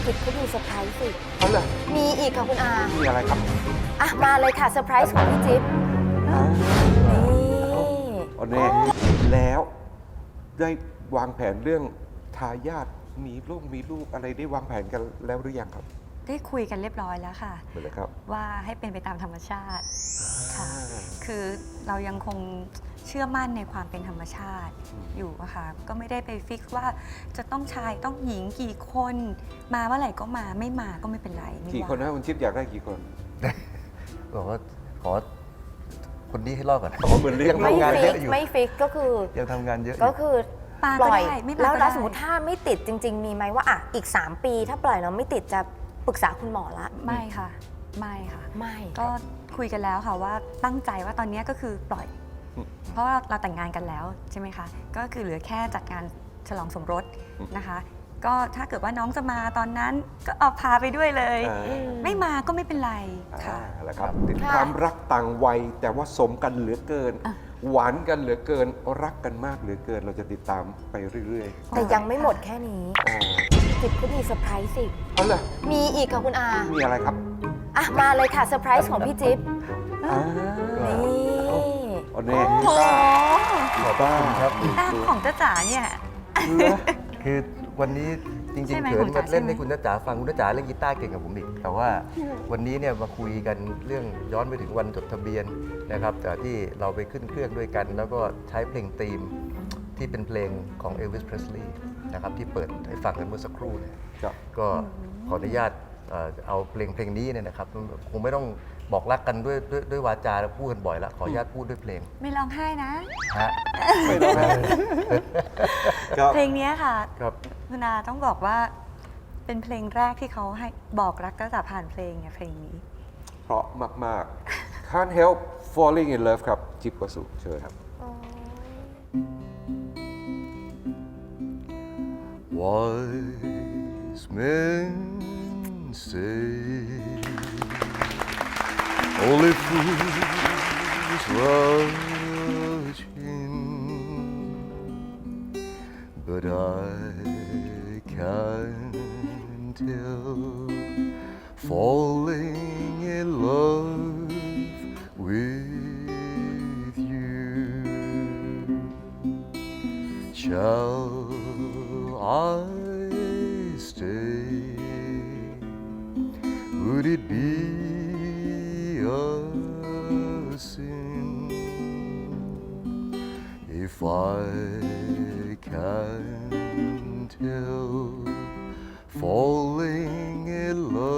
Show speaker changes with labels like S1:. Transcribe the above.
S1: กิจเขามีเซอร์ไพรส์สิ
S2: เอาเลย
S1: มีอีกค่ะคุณอา
S2: มีอะไรครับ
S1: อ่ะมาเลยค่ะเซอร์ไพรส์ของพี่จิ๊บนี่
S2: เอาแน่แล้วได้วางแผนเรื่องทายาทมีลูกอะไรได้วางแผนกันแล้วหรือยังครับ
S3: ได้คุยกันเรียบร้อยแล้วค่ะ
S2: เหมือนเลยครับ
S3: ว่าให้เป็นไปตามธรรมชาติค่ะ คือเรายังคงเชื่อมั่นในความเป็นธรรมชาติอยู่อะค่ะก็ไม่ได้ไปฟิกซ์ว่าจะต้องชายต้องหญิงกี่คนมาเมื่อไหร่ก็มาไม่มาก็ไม่เป็นไรไม่
S2: กี่
S3: ว่า
S2: คนนะคุณชิปอยากได้กี่คน
S4: บอกว่าขอคนนี้ให้รอดก่อน
S2: อ๋อเหมือนเลี้ยง
S1: ไม่
S4: ทำงาน
S1: ฟิ
S4: เย
S1: ก
S4: อะอยู่
S1: ไม่ฟิกก็คือ
S4: ยังทำงานเยอะอ
S1: ก็
S4: ยู่
S1: คือ
S3: ปา
S1: ป
S3: ก็
S1: ล่อย
S3: ได้ไม่มา
S1: แล้ว
S3: ก็
S1: แล้ว
S3: ได้
S1: สมมติถ้าไม่ติดจริง ๆ มีไหมว่าอ่ะอีก 3 ปีถ้าปล่อยแล้วไม่ติดจะปรึกษาคุณหมอละ
S3: ไม่ค่ะไม่ค่ะ
S1: ไม่
S3: ก็คุยกันแล้วค่ะว่าตั้งใจว่าตอนนี้ก็คือปล่อย เพราะว่าเราแต่งงานกันแล้วใช่ไหมคะก็คือเหลือแค่จัดงานฉลองสมรสนะคะ ก็ถ้าเกิดว่าน้องจะมาตอนนั้นก็เอาพาไปด้วยเลย ไม่มาก็ไม่เป็นไรค่ะ
S2: แล้วครับถึงความรักต่างวัยแต่ว่าสมกันเหลือเกิน หวานกันเหลือเกินรักกันมากเหลือเกิน เราจะติดตามไปเรื่อย
S1: แต่ยังไม่หมดแค่นี้
S2: ๆอ๋อ
S1: จิ๊บเขามีเซอร์ไพรส์สิ
S2: เอาเลย
S1: มีอีกค่ะคุณอา
S2: มีอะไรครับ
S1: อ่ะมาเลยค่ะเซอร์ไพรส์ของพี่จิ๊บ
S2: อ่า
S1: นี่
S2: เอาแน่
S3: โอ้โห
S4: ขอบคุณครับ
S3: ตาของจ้าจ๋าเนี่ย
S4: คือวันนี้จริง
S3: ใช่
S4: ๆ
S3: ไหม
S4: เขิ
S3: คุ
S4: น
S3: ณ
S4: มา
S3: จ๋า
S4: เล่น
S3: ใช่ไหม
S4: ให้คุณจ้าจ๋าฟังคุณจ้าจ๋าเล่นกีตาร์เก่งกับผมอีกแต่ว่าวันนี้เนี่ยมาคุยกันเรื่องย้อนไปถึงวันจดทะเบียนนะครับแต่ที่เราไปขึ้นเครื่องด้วยกัน แล้วก็ใช้เพลงธีมที่เป็นเพลงของ Elvis Presley นะครับที่เปิดให้ฟังกันเมื่อสักครู่เนี่ย
S2: ครับ
S4: ก็ขออนุญาตเอาเพลงนี้เนี่ยนะครับคงไม่ต้องบอกรักกันด้วยวาจาแล้วพูดกันบ่อยแล้วขออนุญาตพูดด้วยเพลง
S3: ไม่ร้องไห้นะ
S4: ฮะ
S2: ไม่ต้องนะค
S3: เพลงเนี้ยค่ะ
S4: ครับ
S3: คุณอาต้องบอกว่าเป็นเพลงแรกที่เขาให้บอกรักก็จะผ่านเพลงเนี่ยเพลงนี้
S2: เพราะมากๆ Can't help falling in love ครับ จิ๊บวสุเชิญครับ
S4: Wise men say only fools rush in, but I can't help falling in love with you. Shall I stay? Would it be a sin if I can't help falling in love